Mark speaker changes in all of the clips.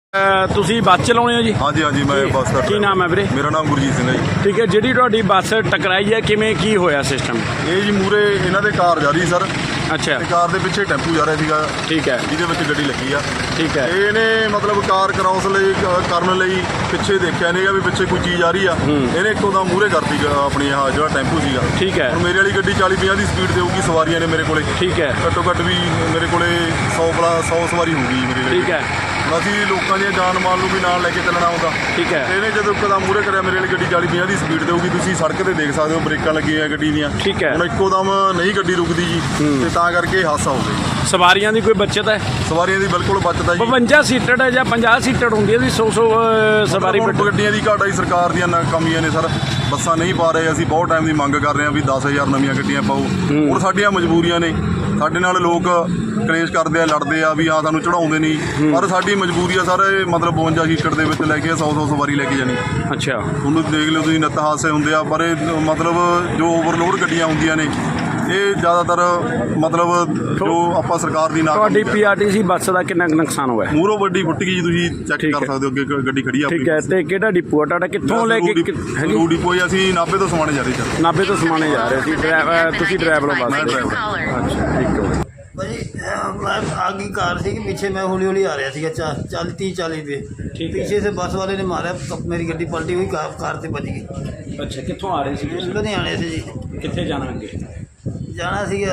Speaker 1: ਤੁਸੀਂ ਬੱਸ ਚਲਾਉਂਦੇ ਹੋ ਜੀ?
Speaker 2: ਹਾਂਜੀ ਹਾਂਜੀ ਮੈਂ ਬੱਸ ਦਾ
Speaker 1: ਕੀ ਨਾਮ ਹੈ ਵੀਰੇ?
Speaker 2: ਮੇਰਾ ਨਾਮ ਗੁਰਜੀਤ ਸਿੰਘ ਹੈ ਜੀ।
Speaker 1: ਠੀਕ ਹੈ, ਜਿਹੜੀ ਤੁਹਾਡੀ ਬੱਸ ਟਕਰਾਈ ਹੈ ਕਿਵੇਂ ਕੀ ਹੋਇਆ ਸਿਸਟਮ?
Speaker 2: ਇਹ ਜੀ ਮੂਰੇ ਇਹਨਾਂ ਦੇ ਕਾਰ ਜਾ ਰਹੀ ਸਰ,
Speaker 1: ਅੱਛਾ
Speaker 2: ਤੇ ਕਾਰ ਦੇ ਪਿੱਛੇ ਟੈਂਪੂ ਜਾ ਰਿਹਾ ਸੀਗਾ,
Speaker 1: ਠੀਕ ਹੈ
Speaker 2: ਜਿਹਦੇ ਵਿੱਚ ਗੱਡੀ ਲੱਗੀ ਆ।
Speaker 1: ਠੀਕ ਹੈ।
Speaker 2: ਇਹਨੇ ਮਤਲਬ ਕਾਰ ਕਰਾਉਸ ਲਈ ਕਰਨ ਲਈ ਪਿੱਛੇ ਦੇਖਿਆ ਨਹੀਂਗਾ ਵੀ ਪਿੱਛੇ ਕੋਈ ਚੀਜ਼ ਆ ਰਹੀ ਆ। ਇਹਨੇ ਇੱਕੋ ਦਮ ਮੂਰੇ ਕਰਤੀ ਆਪਣੀ ਆਹ ਜਿਹੜਾ ਟੈਂਪੂ ਸੀਗਾ।
Speaker 1: ਠੀਕ ਹੈ।
Speaker 2: ਹੁਣ ਮੇਰੇ ਵਾਲੀ ਗੱਡੀ 40-50 ਦੀ ਸਪੀਡ ਤੇ ਹੋਊਗੀ, ਸਵਾਰੀਆਂ ਨੇ ਮੇਰੇ ਕੋਲੇ
Speaker 1: ਠੀਕ ਹੈ।
Speaker 2: ਘੱਟੋ ਘੱਟ ਵੀ ਮੇਰੇ ਕੋਲੇ 100 ਸਵਾਰੀ ਹੋਊਗੀ ਮੇਰੀ ਗੱਡੀ।
Speaker 1: ਠੀਕ ਹੈ।
Speaker 2: ਅਸੀਂ ਲੋਕਾਂ ਦੀਆਂ ਜਾਨ ਮਾਲ ਨੂੰ ਵੀ ਨਾਲ ਲੈ ਕੇ ਚੱਲਣਾ ਹੁੰਦਾ।
Speaker 1: ਠੀਕ ਹੈ।
Speaker 2: ਇਹਨੇ ਜਦੋਂ ਇੱਕਦਮ ਮੂਹਰੇ ਕਰਿਆ, ਮੇਰੇ ਵਾਲੀ ਗੱਡੀ 40-50 ਦੀ ਸਪੀਡ ਤੇ ਹੋਊਗੀ, ਤੁਸੀਂ ਸੜਕ ਤੇ ਦੇਖ ਸਕਦੇ ਹੋ ਬ੍ਰੇਕਾਂ ਲੱਗੀਆਂ ਗੱਡੀ ਦੀਆਂ।
Speaker 1: ਠੀਕ ਹੈ।
Speaker 2: ਹੁਣ ਇੱਕੋ ਦਮ ਨਹੀਂ ਗੱਡੀ ਰੁਕਦੀ ਜੀ, ਤੇ ਤਾਂ ਕਰਕੇ ਹਾਦਸਾ ਹੋ ਗਿਆ।
Speaker 1: ਸਵਾਰੀਆਂ ਦੀ ਕੋਈ ਬੱਚਤ ਹੈ?
Speaker 2: ਸਵਾਰੀਆਂ ਦੀ ਬਿਲਕੁਲ ਬਚਤ ਹੈ ਜੀ।
Speaker 1: 52 ਸੀਟਡ ਹੈ ਜਾਂ 50 ਸੀਟਡ ਹੁੰਦੀ ਹੈ ਜੀ? 100 ਸਵਾਰੀ
Speaker 2: ਹੁਣ ਗੱਡੀਆਂ ਦੀ ਘਾਟ ਆਈ, ਸਰਕਾਰ ਦੀਆਂ ਨਾਕਾਮੀਆਂ ਨੇ ਸਰ। ਬੱਸਾਂ ਨਹੀਂ ਪਾ ਰਹੇ, ਅਸੀਂ ਬਹੁਤ ਟਾਈਮ ਦੀ ਮੰਗ ਕਰ ਰਹੇ ਹਾਂ ਵੀ 10,000 ਨਵੀਆਂ ਗੱਡੀਆਂ ਪਾਓ। ਹੁਣ ਸਾਡੀਆਂ ਮਜਬੂਰੀਆਂ ਨੇ, ਸਾਡੇ ਨਾਲ ਲੋਕ ਕਲੇਸ਼ ਕਰਦੇ ਆ, ਲੜਦੇ ਆ ਵੀ ਹਾਂ ਸਾਨੂੰ ਚੜਾਉਂਦੇ ਨਹੀਂ, ਪਰ ਸਾਡੀ ਮਜਬੂਰੀ ਆ ਸਰ। ਮਤਲਬ 52 ਸੀਟਡ ਦੇ ਵਿੱਚ ਲੈ ਕੇ 100 ਸਵਾਰੀ ਲੈ ਕੇ ਜਾਣੀ।
Speaker 1: ਅੱਛਾ,
Speaker 2: ਤੁਹਾਨੂੰ ਦੇਖ ਲਿਓ ਤੁਸੀਂ, ਨਿੱਤ ਹਾਦਸੇ ਹੁੰਦੇ ਆ, ਪਰ ਇਹ ਮਤਲਬ ਜੋ ਓਵਰਲੋਡ ਗੱਡੀਆਂ ਹੁੰਦੀਆਂ ਨੇ ਇਹ ਜ਼ਿਆਦਾਤਰ ਮਤਲਬ ਜੋ ਆਪਾਂ ਸਰਕਾਰ ਦੀ
Speaker 1: ਤੁਹਾਡੀ PRTC ਬੱਸ ਦਾ ਕਿੰਨਾ ਕੁ ਨੁਕਸਾਨ ਹੋਇਆ?
Speaker 2: ਮੂਹਰੋਂ ਵੱਡੀ ਫੁੱਟ ਗਈ ਜੀ, ਤੁਸੀਂ ਚੈੱਕ ਕਰ ਸਕਦੇ ਹੋ, ਅੱਗੇ ਗੱਡੀ ਖੜੀ ਆ ਆਪਣੀ।
Speaker 1: ਠੀਕ ਹੈ, ਤੇ ਕਿਹੜਾ ਡਿਪੂ ਆ ਤੁਹਾਡਾ? ਕਿੱਥੋਂ ਲੈ ਕੇ
Speaker 2: ਰੂਡੀ ਡਿਪੋ? ਅਸੀਂ ਨਾਭੇ ਤੋਂ ਸਮਾਣੇ ਜਾ ਰਹੇ ਸਰ।
Speaker 1: ਨਾਭੇ ਤੋਂ ਸਮਾਣੇ ਜਾ ਰਹੇ ਸੀ। ਤੁਸੀਂ ਡਰਾਈਵਰ ਹੋ ਬੱਸ?
Speaker 2: ਮੈਂ ਡਰਾਈਵਰ।
Speaker 1: ਅੱਛਾ, ਠੀਕ ਹੈ
Speaker 3: ਭਾਜੀ मैं आगे कार थी कि पीछे मैं हौली हौली आ रहा थी 30-40 पे।
Speaker 1: ठीक है।
Speaker 3: पीछे से बस वाले ने मारा, मेरी गड्डी पलटी हुई, कार से बच गई।
Speaker 1: ਅੱਛਾ, ਕਿੱਥੋਂ ਆ ਰਹੇ ਸੀ?
Speaker 3: लुधियाने से जी
Speaker 1: ਕਿੱਥੇ ਜਾਣਾ ਅੱਗੇ?
Speaker 3: जाना सीगा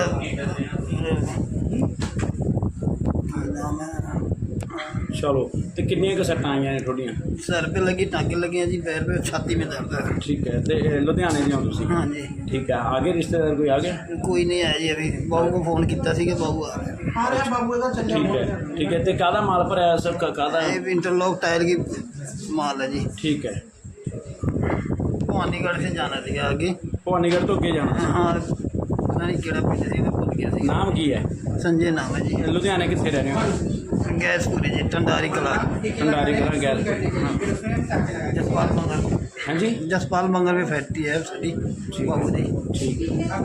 Speaker 1: ਚਲੋ, ਤੇ ਕਿੰਨੀਆਂ ਕੁ ਸੱਟਾਂ ਆਈਆਂ ਨੇ ਤੁਹਾਡੀਆਂ?
Speaker 3: सर पे लगी, टाँगे लगे हैं जी, पैर पे, छाती में दर्द है।
Speaker 1: ਠੀਕ ਹੈ, ਤੇ ਲੁਧਿਆਣੇ ਦੇ ਹੋ ਤੁਸੀਂ?
Speaker 3: हाँ जी,
Speaker 1: ਠੀਕ ਹੈ। आगे रिश्तेदार कोई आ गया?
Speaker 3: कोई नहीं आया जी। अभी बहू को फोन किया कि बहू आ रहा है।
Speaker 1: ठीक है। ਤੇ ਕਾਹਦਾ ਮਾਲ ਭਰਿਆ ਸਭ ਕਾਹਦਾ?
Speaker 3: ये इंटरलॉक टायर की माल है जी।
Speaker 1: ठीक है।
Speaker 3: भवानीगढ़ से जाना थी आगे।
Speaker 1: ਭਵਾਨੀਗੜ੍ਹ ਤੋਂ ਅੱਗੇ ਜਾਣਾ?
Speaker 3: हाँ, पता नहीं केड़ा पिंड सी, मैं भूल गया सी।
Speaker 1: ਨਾਮ ਕੀ ਹੈ?
Speaker 3: संजय नाम है जी।
Speaker 1: ਲੁਧਿਆਣੇ ਕਿੱਥੇ ਰਹਿੰਦੇ ਹੋ?
Speaker 3: गैसपुरी जी, टंडारी कला।
Speaker 1: ਭੰਡਾਰੀ ਕਲਾਂ ਗੈਸ।
Speaker 3: जसपाल मंगल।
Speaker 1: हाँ जी,
Speaker 3: जसपाल मंगल में फैक्ट्री है साड़ी बाबू जी।
Speaker 1: ठीक है।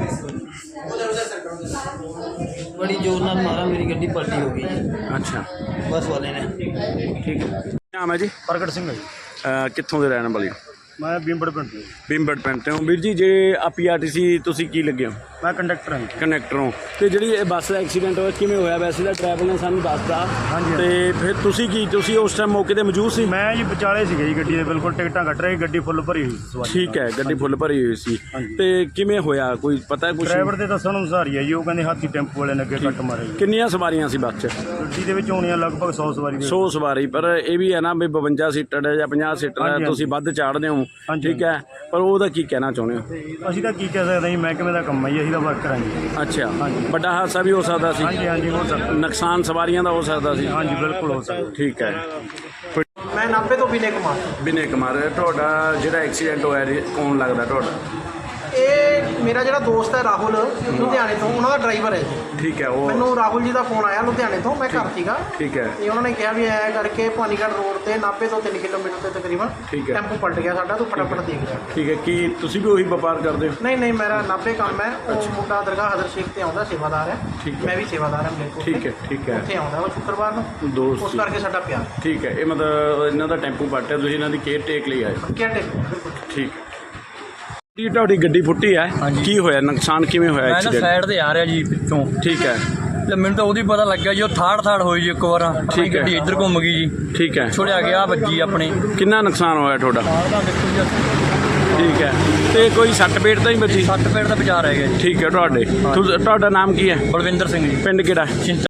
Speaker 3: बड़ी जोर नाल मारा, मेरी गड्डी पलटी हो गई जी,
Speaker 1: अच्छा,
Speaker 3: बस वाले ने।
Speaker 1: ठीक है। ਨਾਮ ਹੈ ਜੀ?
Speaker 4: ਪ੍ਰਗਟ ਸਿੰਘ ਹੈ ਜੀ।
Speaker 1: ਕਿੱਥੋਂ ਦੇ ਰਹਿਣ ਵਾਲੇ ਹੋ?
Speaker 4: ਮੈਂ ਬੀਮਬੜ ਪਿੰਡ ਤੋਂ ਜੀ।
Speaker 1: ਭੀਮਬੜ ਪਿੰਡ ਤੋਂ। ਵੀਰ ਜੀ, ਜੇ ਆ PRTC ਤੁਸੀਂ ਕੀ ਲੱਗੇ ਹੋ?
Speaker 4: ਮੈਂ ਕੰਡਕਟਰ ਹਾਂ ਜੀ।
Speaker 1: ਕਨੈਕਟਰ ਹੋ। ਤੇ ਜਿਹੜੀ ਇਹ ਬੱਸ ਦਾ ਐਕਸੀਡੈਂਟ ਹੋਇਆ ਕਿਵੇਂ ਹੋਇਆ? ਵੈਸੇ ਤਾਂ ਡਰਾਈਵਰ ਨੇ ਸਾਨੂੰ ਦੱਸਤਾ।
Speaker 4: ਹਾਂਜੀ।
Speaker 1: ਤੇ ਫਿਰ ਤੁਸੀਂ ਉਸ ਟਾਈਮ ਮੌਕੇ ਤੇ ਮੌਜੂਦ ਸੀ?
Speaker 4: ਮੈਂ ਜੀ ਵਿਚਾਲੇ ਸੀਗਾ ਜੀ ਗੱਡੀ ਦੇ, ਬਿਲਕੁਲ ਟਿਕਟਾਂ ਕੱਟ ਰਹੀ, ਗੱਡੀ ਫੁੱਲ ਭਰੀ ਹੋਈ ਸੀ ਸਵਾਰੀ।
Speaker 1: ਠੀਕ ਹੈ, ਗੱਡੀ ਫੁੱਲ ਭਰੀ ਹੋਈ ਸੀ।
Speaker 4: ਹਾਂਜੀ।
Speaker 1: ਤੇ ਕਿਵੇਂ ਹੋਇਆ, ਕੋਈ ਪਤਾ ਕੁਝ?
Speaker 4: ਡਰਾਈਵਰ ਦੇ ਦੱਸਣ ਅਨੁਸਾਰ ਹੀ ਹੈ ਜੀ, ਉਹ ਕਹਿੰਦੇ ਹਾਥੀ ਟੈਂਪੂ ਵਾਲੇ ਨੇ ਅੱਗੇ ਕੱਟ ਮਾਰੇ ਜੀ।
Speaker 1: ਕਿੰਨੀਆਂ ਸਵਾਰੀਆਂ ਸੀ ਬੱਸ 'ਚ?
Speaker 4: ਗੱਡੀ ਦੇ ਵਿੱਚ ਹੋਣੀਆਂ ਲਗਭਗ 100 ਸਵਾਰੀ ਦੇ।
Speaker 1: 100 ਸਵਾਰੀ, ਪਰ ਇਹ ਵੀ ਹੈ ਨਾ ਵੀ 52 ਸੀਟਰ ਹੈ ਜਾਂ 50 ਸੀਟਰ ਹੈ,
Speaker 4: ਹਾਂਜੀ,
Speaker 1: ਤੁਸੀਂ ਵੱਧ ਚਾੜਦੇ ਹੋ।
Speaker 4: ਹਾਂਜੀ।
Speaker 1: ਠੀਕ ਹੈ, ਪਰ ਉਹਦਾ ਕੀ ਕਹਿਣਾ ਚਾਹੁੰਦੇ ਹੋ?
Speaker 4: ਅਸੀਂ ਤਾਂ ਕੀ ਕਹਿ ਸਕਦੇ ਹਾਂ ਜੀ, ਮਹਿਕਮੇ ਦਾ ਕੰਮ ਹੈ ਜੀ, ਅਸੀਂ ਤਾਂ ਵਰਕਰ ਹਾਂ ਜੀ।
Speaker 1: ਅੱਛਾ,
Speaker 4: ਹਾਂਜੀ।
Speaker 1: ਵੱਡਾ ਹਾਦਸਾ ਵੀ ਹੋ ਸਕਦਾ ਸੀ?
Speaker 4: ਹਾਂਜੀ ਹਾਂਜੀ, ਹੋ ਸਕਦਾ।
Speaker 1: ਨੁਕਸਾਨ ਸਵਾਰੀਆਂ ਦਾ ਹੋ ਸਕਦਾ ਸੀ?
Speaker 4: ਹਾਂਜੀ, ਬਿਲਕੁਲ ਹੋ ਸਕਦਾ।
Speaker 1: ਠੀਕ ਹੈ।
Speaker 5: ਮੈਂ ਨਾਭੇ ਤੋਂ ਵਿਨੇ ਕੁਮਾਰ।
Speaker 1: ਵਿਨੇ ਕੁਮਾਰ, ਤੁਹਾਡਾ ਜਿਹੜਾ ਐਕਸੀਡੈਂਟ ਹੋਇਆ ਕੌਣ ਲੱਗਦਾ ਤੁਹਾਡਾ?
Speaker 5: ਇਹ ਮੇਰਾ ਜਿਹੜਾ ਦੋਸਤ ਹੈ ਰਾਹੁਲ, ਲੁਧਿਆਣੇ ਤੋਂ, ਉਹਨਾਂ ਦਾ ਡਰਾਈਵਰ ਹੈ ਜੀ।
Speaker 1: ਠੀਕ ਹੈ। ਉਹ
Speaker 5: ਮੈਨੂੰ ਰਾਹੁਲ ਜੀ ਦਾ ਫੋਨ ਆਇਆ ਲੁਧਿਆਣੇ ਤੋਂ, ਮੈਂ ਘਰ ਸੀਗਾ।
Speaker 1: ਠੀਕ ਹੈ।
Speaker 5: ਤੇ ਉਹਨਾਂ ਨੇ ਕਿਹਾ ਵੀ ਐਂ ਕਰਕੇ ਭਵਾਨੀਗੜ੍ਹ ਰੋਡ ਤੇ ਨਾਭੇ ਤੋਂ 3 ਕਿਲੋਮੀਟਰ ਤੇ ਤਕਰੀਬਨ
Speaker 1: ਠੀਕ ਹੈ।
Speaker 5: ਟੈਂਪੂ ਪਲਟ ਗਿਆ ਸਾਡਾ, ਤੂੰ ਫਟਾਫਟ ਦੇਖ ਜਾ।
Speaker 1: ਠੀਕ ਹੈ। ਕੀ ਤੁਸੀਂ ਵੀ ਉਹੀ ਵਪਾਰ ਕਰਦੇ ਹੋ?
Speaker 5: ਨਹੀਂ, ਮੇਰਾ ਨਾਭੇ ਕੰਮ ਹੈ। ਉਹ ਮੁੰਡਾ ਦਰਗਾਹ ਹਜ਼ਰ ਸ਼ੇਖ ਤੇ ਆਉਂਦਾ, ਸੇਵਾਦਾਰ ਹੈ।
Speaker 1: ਠੀਕ ਹੈ।
Speaker 5: ਮੈਂ ਵੀ ਸੇਵਾਦਾਰ ਹਾਂ ਮਲੇਰਕੋਟਲਾ।
Speaker 1: ਠੀਕ ਹੈ। ਠੀਕ ਹੈ।
Speaker 5: ਉੱਥੇ ਆਉਂਦਾ ਉਹ ਸ਼ੁੱਕਰਵਾਰ ਨੂੰ,
Speaker 1: ਦੋਸਤ
Speaker 5: ਉਸ
Speaker 1: ਸੀ।
Speaker 5: ਕਰਕੇ ਸਾਡਾ ਪਿਆਰ।
Speaker 1: ਠੀਕ ਹੈ। ਇਹ ਮਤਲਬ ਇਹਨਾਂ ਦਾ ਟੈਂਪੂ ਪਲਟਿਆ, ਤੁਸੀਂ ਇਹਨਾਂ ਦੀ ਕੇਅਰ ਟੇਕ ਲਈ ਆਏ?
Speaker 5: ਕਿਹੜੇ ਬਿਲਕੁਲ।
Speaker 1: ਠੀਕ ਹੈ। ਕੀ ਤੁਹਾਡੀ ਗੱਡੀ ਫੁੱਟੀ ਹੈ? ਕੀ ਹੋਇਆ, ਨੁਕਸਾਨ ਕਿਵੇਂ ਹੋਇਆ
Speaker 6: ਮੈਂ ਨਾ
Speaker 1: ਐਕਸੀਡੈਂਟ?
Speaker 6: ਸਾਈਡ ਤੇ ਆ ਰਿਹਾ ਜੀ ਪਿੱਛੋਂ,
Speaker 1: ਠੀਕ ਹੈ।
Speaker 6: ਤੇ ਮੈਨੂੰ ਤਾਂ ਉਹਦੀ ਪਤਾ ਲੱਗਿਆ ਜੀ, ਉਹ ਥਾੜ ਹੋਈ ਜੀ ਇੱਕ ਵਾਰ। ਆਪਣੀ
Speaker 1: ਠੀਕ ਹੈ।
Speaker 6: ਗੱਡੀ ਇੱਧਰ ਘੁੰਮ ਗਈ ਜੀ,
Speaker 1: ਠੀਕ ਹੈ।
Speaker 6: ਛੁੜਿਆ ਗਿਆ, ਵੱਜੀ ਆਪਣੀ।
Speaker 1: ਕਿੰਨਾ ਨੁਕਸਾਨ ਹੋਇਆ ਤੁਹਾਡਾ?
Speaker 6: ਦਾ ਦੇਖੋ ਜੀ,
Speaker 1: ਠੀਕ ਹੈ। ਤੇ ਕੋਈ ਸੱਟ ਪੇਟ ਤਾਂ ਨਹੀਂ ਬਚੀ?
Speaker 6: 60 ਪੇਟ ਦਾ ਵਿਚਾਰ ਹੈਗਾ ਜੀ।
Speaker 1: ਠੀਕ ਹੈ। ਤੁਹਾਡਾ ਨਾਮ ਕੀ ਹੈ?
Speaker 6: ਬਲਵਿੰਦਰ ਸਿੰਘ ਜੀ,
Speaker 1: ਪਿੰਡ ਕਿਹੜਾ?